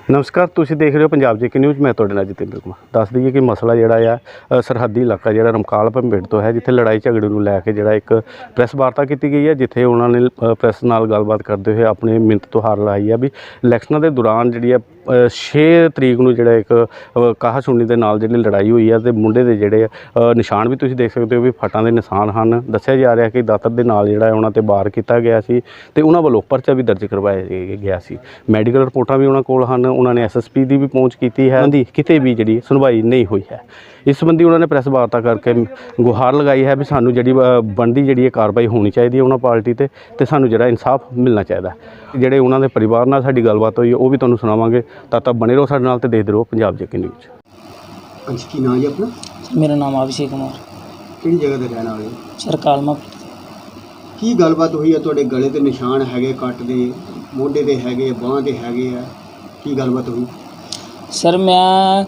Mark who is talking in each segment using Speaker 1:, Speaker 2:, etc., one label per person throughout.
Speaker 1: नमस्कार, तुसीं देख रहे हो पंजाब जेके न्यूज़। मैं तुहाडे नाल जतिंदर कुमार। दस दईए कि मसला जिहड़ा आ सरहदी इलाका जिहड़ा रमकाल पिंड तो है, जिथे लड़ाई झगड़े नूं लैके जिहड़ा एक प्रैस वार्ता की गई है, जिथे उन्होंने प्रैस नाल गलबात करते हुए अपनी मिन्नत तुहार लाई है भी इलैक्शनां दे दौरान जिहड़ी 6 तरीक नूं जिहड़ा एक काहा सुनी दे नाल जिहड़ी लड़ाई हुई है ते मुंडे दे जिहड़े निशान भी तुसीं देख सकते हो भी फटां दे निशान हन। दस्सिया जा रहा कि दातर दे नाल जिहड़ा उन्हां ते वार कीता गया सी ते उन्हां वल्लों परचा भी दर्ज करवाया गया सी। मैडिकल रिपोर्टां भी उन्हां कोल हन। उन्होंने SSP की भी पहुँच की है, उन्होंने किते भी जी सुनवाई नहीं हुई है। इस संबंधी उन्होंने प्रैस वार्ता करके गुहार लगाई है भी सानू जी बनती जी कार्रवाई होनी चाहिए उन्होंने पार्टी ते सानू जो इंसाफ मिलना चाहिए। जोड़े उन्होंने परिवार नाल साडी गलबात हुई वो भी तुहानूं सुणावांगे। तद तक बने रहो साडे नाल ते देखदे रहो पंजाब जेके न्यूज़।
Speaker 2: अच्छा, की नाम है अपना?
Speaker 3: मेरा नाम अभिषेक कुमार।
Speaker 2: किहड़ी जगह ते रहने वाले?
Speaker 3: सर कालमा।
Speaker 2: की गलबात हुई है? तुहाडे गले ते निशान हैगे कट दे, मोढे ते हैगे, बांह ते हैगे आ, की गलबात हुई?
Speaker 3: सर मैं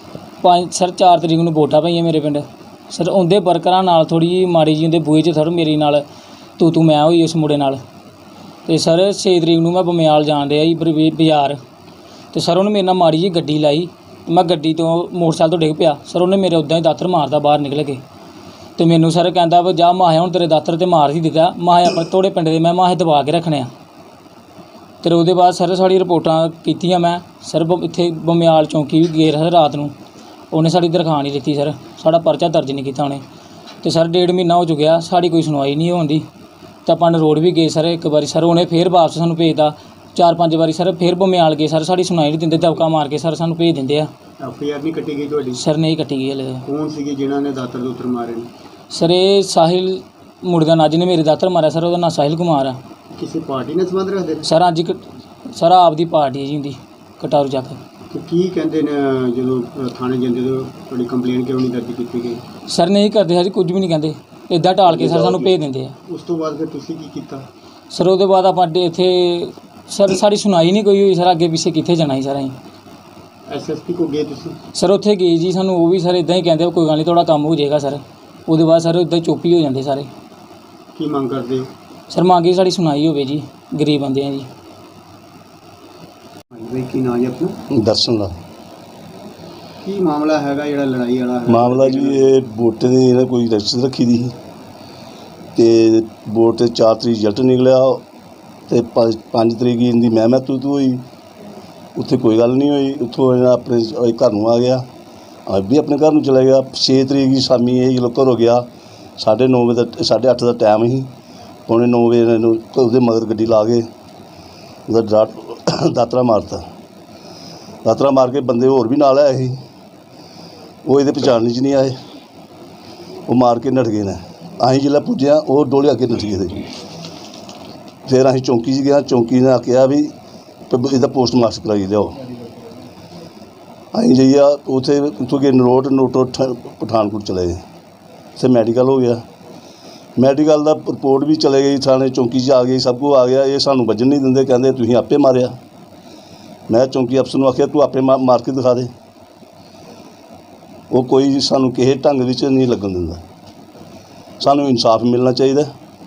Speaker 3: 4 तरीक नूं वोटां पईआं मेरे पिंड। सर उहदे वर्करां नाल थोड़ी जी माड़ी जी उहदे बूहे 'च सर मेरी नाल तू मैं होई उस मुंडे नाल। ते सर 6 तरीक नूं मैं बमयाल जान दिया जी बाजार ते सर उन्हें मेरे नाल माड़ी जी गड्डी लाई। मैं गड्डी तो मोटरसाइकिल तो डिग पिया। सर उन्हें मेरे उदां ही दातर मारदा बाहर निकल के ते मैनू सर कहंदा वा जा माहे हुण तेरे दातर ते मार ही दित्ता, माहे अपने तोड़े पिंड दे मैं माहे दबा के रखने आ। ते उहदे बाद सर साड़ी रिपोर्टां कीतियां मैं सर इत्थे बमयाल चौंकी भी गए सर रात नूं। उन्हें साड़ी दरखास्त नहीं दित्ती सर, साड़ा परचा दर्ज नहीं कीता उन्हें। ते सर 1.5 महीना हो चुकिया साड़ी कोई सुनवाई नहीं होंदी। ते आपां रोड भी गए सर एक बारी, सर उन्हें फिर वापस सानूं भेजदा 4-5 बारी सर फिर बमयाल गए सर साड़ी सुनवाई नहीं दिंदे, दबका मार के सर सानूं भेज दिंदे आ।
Speaker 2: FIR नहीं कट्टी गई तुहाडी?
Speaker 3: सर नहीं कट्टी गई हले।
Speaker 2: कौन सीगे जिन्हां ने दातर दूतर मारे ने?
Speaker 3: सर ये साहिल मुंडे दा नां जिन्हें मेरे दातर मारा सर उहदा नां साहिल कुमार है।
Speaker 2: किसी पार्टी ने संबंध रखदे?
Speaker 3: सर अज सर आप दी पार्टी है जी उंदी कटारू चक।
Speaker 2: ते की कहंदे ने जदों थाने जांदे तो तुहाडी कंप्लेन क्यों नहीं दर्ज कीती गई?
Speaker 3: सर नहीं करते सर कुछ भी नहीं कहते, इदां टाल के सर सानूं भेज दिंदे आ।
Speaker 2: उस तो बाद फिर तुसीं की कीता?
Speaker 3: सर उहदे बाद आपां इत्थे सर साड़ी सुनाई नहीं कोई हुई। सर अगे पिछे कित्थे जाना सर असीं?
Speaker 2: SSP को गए तुसीं?
Speaker 3: सर उत्थे गए जी, सानूं वो भी सर इदां ही कहंदे कोई गल नहीं तुहाडा कम्म हो जाएगा सर। उहदे बाद सर इदां चुप ही हो जांदे सारे।
Speaker 2: की मंग करदे हो?
Speaker 3: सर मंगे साड़ी सुनाई होवे जी, गरीब बंदे हैं जी।
Speaker 2: भाई की नाम है अपना?
Speaker 4: दर्शन दा
Speaker 2: की मामला हैगा जिहड़ा लड़ाई वाला है?
Speaker 4: मामला जी ये वोट दी इन्हें कोई रजिस्टर रखी दी ते वोट 4 तरीक रिजल्ट निकलिया ते 5 तरीक इनकी मैं तू हुई। उत्थे कोई गल नहीं हुई। उत्थों अपने घर नूं आ गया, अब भी अपने घर नूं चला गया। 6 तरीक की शामी ये जो घरों गया 9:30 बजे 8:30 का टाइम ही, 9:15 बजे उसदे मगर गड्डी ला के उसदा दातरा मारता। दातरा मार के बंदे होर भी नाल आए ही, वो ये पहचान च नहीं आए, वो मार के नठ गए ने। असीं जिसलै पुज्जे वो डोले अगे नठ गए थे। फिर असीं चौंकी च गए, चौंकी ने आख्या भी इसदा पोस्टमास्टर कराई लियाओ। असीं जाइए उत्थे उत्थों गए नरोट पठानकोट चले गए। उत्थे मैडिकल हो गया, मैडिकल दा रिपोर्ट भी चले गई, थाने चौंकी च आ गई, सब कुछ आ गया। ये सानूं बजन नहीं दिंदे, कहंदे तुसीं आपे मारिया। मैं चौंकी अफसर नूं आख्या तू आपे मार के दिखा दे। वो कोई सानूं किसी ढंग विच नहीं लगन दिंदा। सानूं इंसाफ मिलना चाहिए।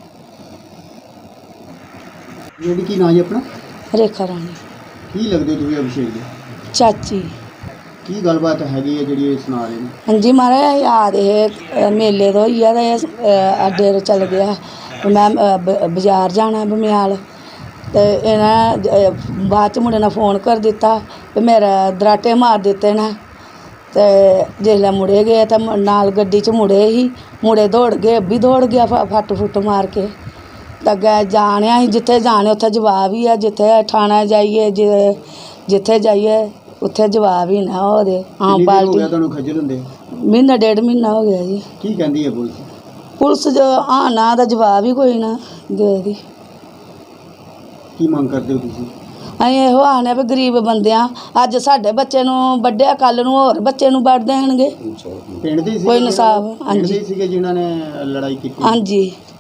Speaker 2: जेह्ड़ी की नाम है अपना?
Speaker 5: रेखा रानी।
Speaker 2: की लगदे तुसीं अभिषेक दे?
Speaker 5: चाची।
Speaker 2: की गलबात हैगी है जिहड़ी एह् सना रहे ने?
Speaker 5: हाँ जी महाराज असीं आ दे हे मेले तो होइया ते अड्डे पर चल गया। मैं बाजार जाना बमयाल ते इन्हें बाद च मुड़े ने फोन कर दिता ते मेरे दराटे मार दिते ने। ते जिसलै मुड़े गए ते नाल गड्डी च मुड़े ही, मुड़े दौड़ गए, भी दौड़ गया फट फुट मार के। ते अग्गें जाने असीं जित्थे जाने उत्थे जवाब ही है, जित्थे ठाणे जाइए जित्थे जाइए उत्थे जवाब ही ना हो दे। आम पार्टी
Speaker 2: तुहानूं खज्जल हुंदे?
Speaker 5: महीना 1.5 महीना हो गया जी।
Speaker 2: की कहंदी है पुलिस?
Speaker 5: पुलिस जो हाँ ना दा जवाब ही कोई ना दे दी।
Speaker 2: की मंग करदे हो तुसीं?
Speaker 5: ਅਸੀਂ ਇਹੋ ਆਖਦੇ ਵੀ ਗਰੀਬ ਬੰਦੇ ਆ, ਅੱਜ ਸਾਡੇ ਬੱਚੇ ਨੂੰ ਵੱਢਿਆ, ਕੱਲ੍ਹ ਨੂੰ ਹੋਰ ਬੱਚੇ ਨੂੰ ਵੱਢ ਦੇਣਗੇ।
Speaker 2: ਪਿੰਡ ਦੇ
Speaker 5: ਕੋਈ ਇਨਸਾਫ।
Speaker 2: ਪਿੰਡ ਦੇ ਸੀਗੇ ਜਿਨ੍ਹਾਂ ਨੇ ਲੜਾਈ ਕੀਤੀ?
Speaker 5: ਹਾਂਜੀ।